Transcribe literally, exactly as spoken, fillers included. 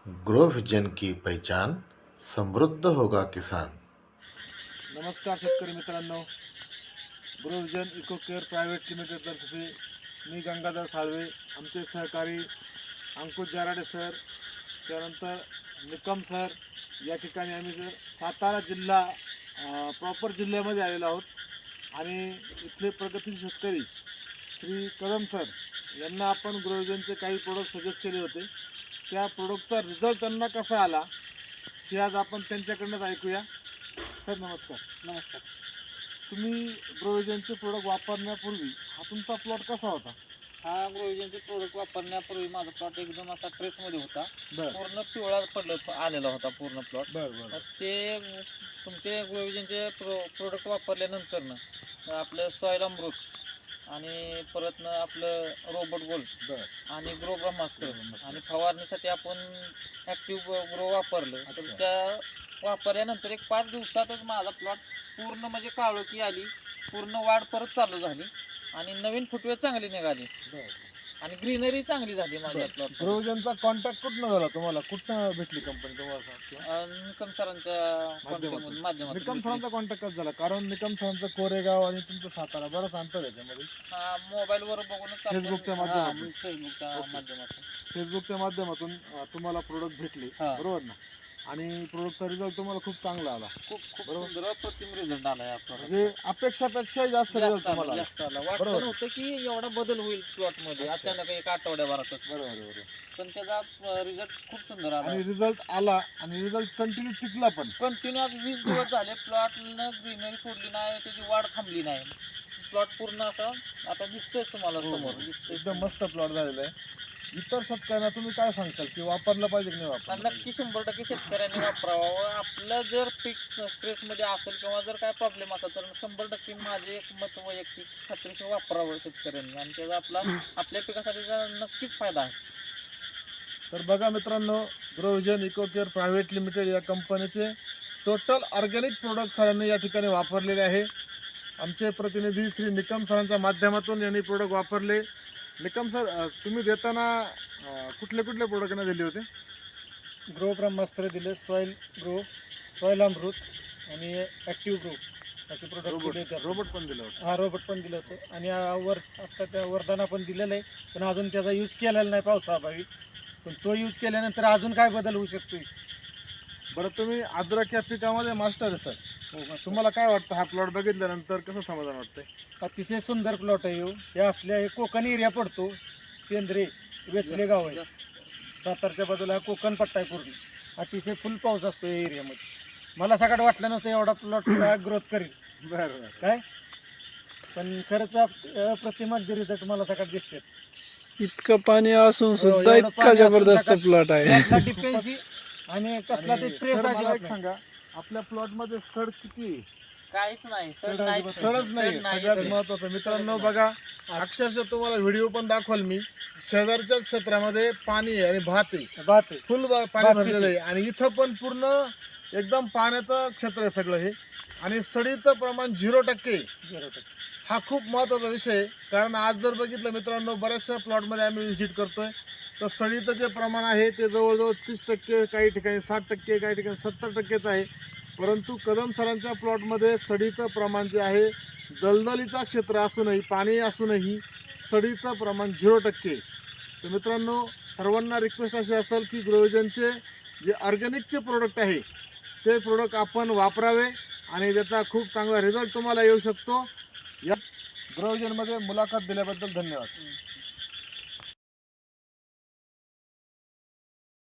Grow vision की पहचान, समृद्ध होगा किसान। नमस्कार शेतकरी मित्रांनो, grow vision eco care private लिमिटेडतर्फे मी गंगाधर साळवे, आमचे सहकारी अंकुश जाराडे सर, त्यानंतर निकम सर, या ठिकाणी आम्ही जर सातारा जिल्हा प्रॉपर जिल्ह्यामध्ये आलेलो आहोत आणि इथले प्रगतील शेतकरी श्री कदम सर यांना आपण ग्रो विजनचे काही प्रोडक्ट सजेस्ट केले होते. त्या प्रोडक्टचा रिझल्ट त्यांना कसा आला हे आज आपण त्यांच्याकडनंच ऐकूया. सर नमस्कार. नमस्कार. तुम्ही ग्रो विजनचे प्रोडक्ट वापरण्यापूर्वी हा तुमचा प्लॉट कसा होता? हा ग्रो विजनचे प्रोडक्ट वापरण्यापूर्वी माझा प्लॉट एकदम असा ट्रेसमध्ये होता. बर पूर्ण पिवळा पडलं आलेला होता पूर्ण प्लॉट. बर बर ते तुमचे ग्रो विजनचे प्रो प्रोडक्ट वापरल्यानंतर ना आपलं सॉईल अमृत आणि परत ना आपलं रोबोट गोल्ड बर आणि ग्रो ब्रह्मास्त्र ब्रह्मास्त्र. आणि फवारणीसाठी आपण ॲक्टिव्ह ग्रो वापरलं. तर अच्छा. त्या वापरल्यानंतर एक पाच दिवसातच माझा प्लॉट पूर्ण म्हणजे काळोखी आली, पूर्ण वाढ परत चालू झाली आणि नवीन फुटवे चांगली निघाली बर आणि ग्रीनरी चांगली झाली माझ्या प्लॉट. ग्रो विजनचा कॉन्टॅक्ट कुठनं झाला तुम्हाला? कुठनं भेटली कंपनी तुम्हाला? निकम सरांच्या माध्यमातून. माध्यमातून निकम भेटली. सरांचा कॉन्टॅक्ट कसं झाला? कारण निकम सरांचं कोरेगाव आणि तुमचं सातारा बरंच अंतर आहे त्यामध्ये. हा, मोबाईलवर बघूनच आपण- फेसबुकच्या हा, माध्यमातून. फेसबुकच्या ओके. माध्यमातून. फेसबुकच्या माध्यमातून अं, तुम्हाला प्रोडक्ट भेटले, हा. बरोबर ना? आणि प्रोडक्टचा रिझल्ट तुम्हाला खूप चांगला आला, खूप खूप बरोबर. सुंदर अप्रतिम रिझल्ट आला या प्लॉट. म्हणजे अपेक्षापेक्षा जास्त रिझल्ट तुम्हाला आला. जास्त आला. वाटलं बरोबर. नव्हतं की एवढा बदल होईल प्लॉट मध्ये अच्छा. अचानक एक आठवड्याभरातच, बरोबर बरोबर. पण त्याचा रिझल्ट खूप सुंदर आला. आणि रिझल्ट आला आणि रिझल्ट कंटिन्यू टिकला पण. कंटिन्यू आज वीस दिवस झाले प्लॉटनं ग्रीनरी सोडली नाही, त्याची वाढ थांबली नाही. प्लॉट पूर्ण असा आता दिसतोय तुम्हाला हो, समोर हो. दिसतोय. एकदम मस्त प्लॉट झालेला आहे. इतर शेतकऱ्यांना तुम्ही काय सांगशाल की वापरलं पाहिजे की नाही आणि वापरलं नक्की शंभर टक्के शेतकऱ्यांनी वापरावं व आपलं जर पीक स्ट्रेसमध्ये असेल किंवा जर काय प्रॉब्लेम असेल तर शंभर टक्के माझे एक मत वैयक्तिक खात्रीशीर वापरावं शेतकऱ्यांनी आणि त्याचा आपला आपल्या पिकासाठी नक्कीच फायदा आहे. तर बघा मित्रांनो, grow vision eco care private limited या कंपनीचे टोटल ऑर्गॅनिक प्रोडक्ट सरांनी या ठिकाणी वापरलेले आहे. आमचे प्रतिनिधी श्री निकम सरांच्या माध्यमातून यांनी प्रोडक्ट वापरले. निकम सर, अ, तुम्ही देताना अ, कुठले कुठले प्रोडक्टना दिले होते? ग्रो ब्रह्मास्त्र दिले, सॉईल ग्रो, सॉईल अमृत आणि ॲक्टिव्ह ग्रो असे प्रोडक्ट रोबोट दिले होते. रोबोट पण दिलं होतं. हा, रोबोट पण दिलं होतं आणि आ, वर आता त्या वरदाना पण दिलेलं आहे, पण अजून त्याचा यूज केलेला नाही पावसाअभावी. पण तो यूज केल्यानंतर अजून काय बदल होऊ शकतो? बरं, तुम्ही अद्रक या पिकामध्ये मास्टर आहे सर. हो, मस्त. तुम्हाला काय वाटतं, हा प्लॉट बघितल्यानंतर कसं समाधान वाटतंय? अतिशय सुंदर प्लॉट आहे ह्यो. हे असल्या हे कोकण एरिया पडतो, सेंद्रे वेचले गाव आहे. सातारच्या बाजूला हा कोकण पट्टा आहे पूर्ण. अतिशय फुल पाऊस असतो या एरियामध्ये. मला सगळं वाटलं नव्हतं एवढा प्लॉट ग्रोथ करेल बरं बरं. काय, पण खरंच अप्रतिमात रिझल्ट मला सगळ्यात दिसते. इतकं पाणी असून सुद्धा एवढं इतका पाणी असून जबरदस्त सकाळ- प्लॉट आहे. यातला डिफेन्सी आणि कसला ते आणि ट्रेस सर, मला एक अजिबात नाही. सांगा, आपल्या प्लॉट मध्ये सड किती आहे? काहीच नाही सर, सड नाही. अजिबात सडच नाही. सड नाही. सगळ्यात महत्वाचं मित्रांनो, बघा अक्षरशः तुम्हाला व्हिडिओ पण दाखवाल मी. शेजारच्याच क्षेत्रामध्ये पाणी आहे आणि भात आहे, बात आहे. फुल बा- पाणी भात भरलेलं आहे आणि इथं पण पूर्ण एकदम पाण्याचं क्षेत्र आहे सगळं हे. आणि सडीचं प्रमाण झिरो टक्के आहे. झिरो टक्के. हा खूप महत्त्वाचा विषय आहे. कारण आज जर बघितलं मित्रांनो, बऱ्याचशा प्लॉटमध्ये आम्ही व्हिजिट करतोय तर सडीचं जे प्रमाण आहे ते जवळजवळ तीस टक्के, काही ठिकाणी साठ टक्के, काही ठिकाणी सत्तर टक्केच आहे. परंतु कदम सरांच्या प्लॉटमध्ये सडीचं प्रमाण जे आहे, दलदलीचा क्षेत्र असूनही, पाणी असूनही सडीचं प्रमाण झिरो टक्के आहे. तर मित्रांनो, सर्वांना रिक्वेस्ट अशी असेल की ग्रो विजनचे जे ऑर्गॅनिकचे प्रोडक्ट आहे ते प्रोडक्ट आपण वापरावे आणि त्याचा खूप चांगला रिझल्ट तुम्हाला येऊ शकतो. या ग्रो विजनमध्ये मुलाखत दिल्याबद्दल धन्यवाद.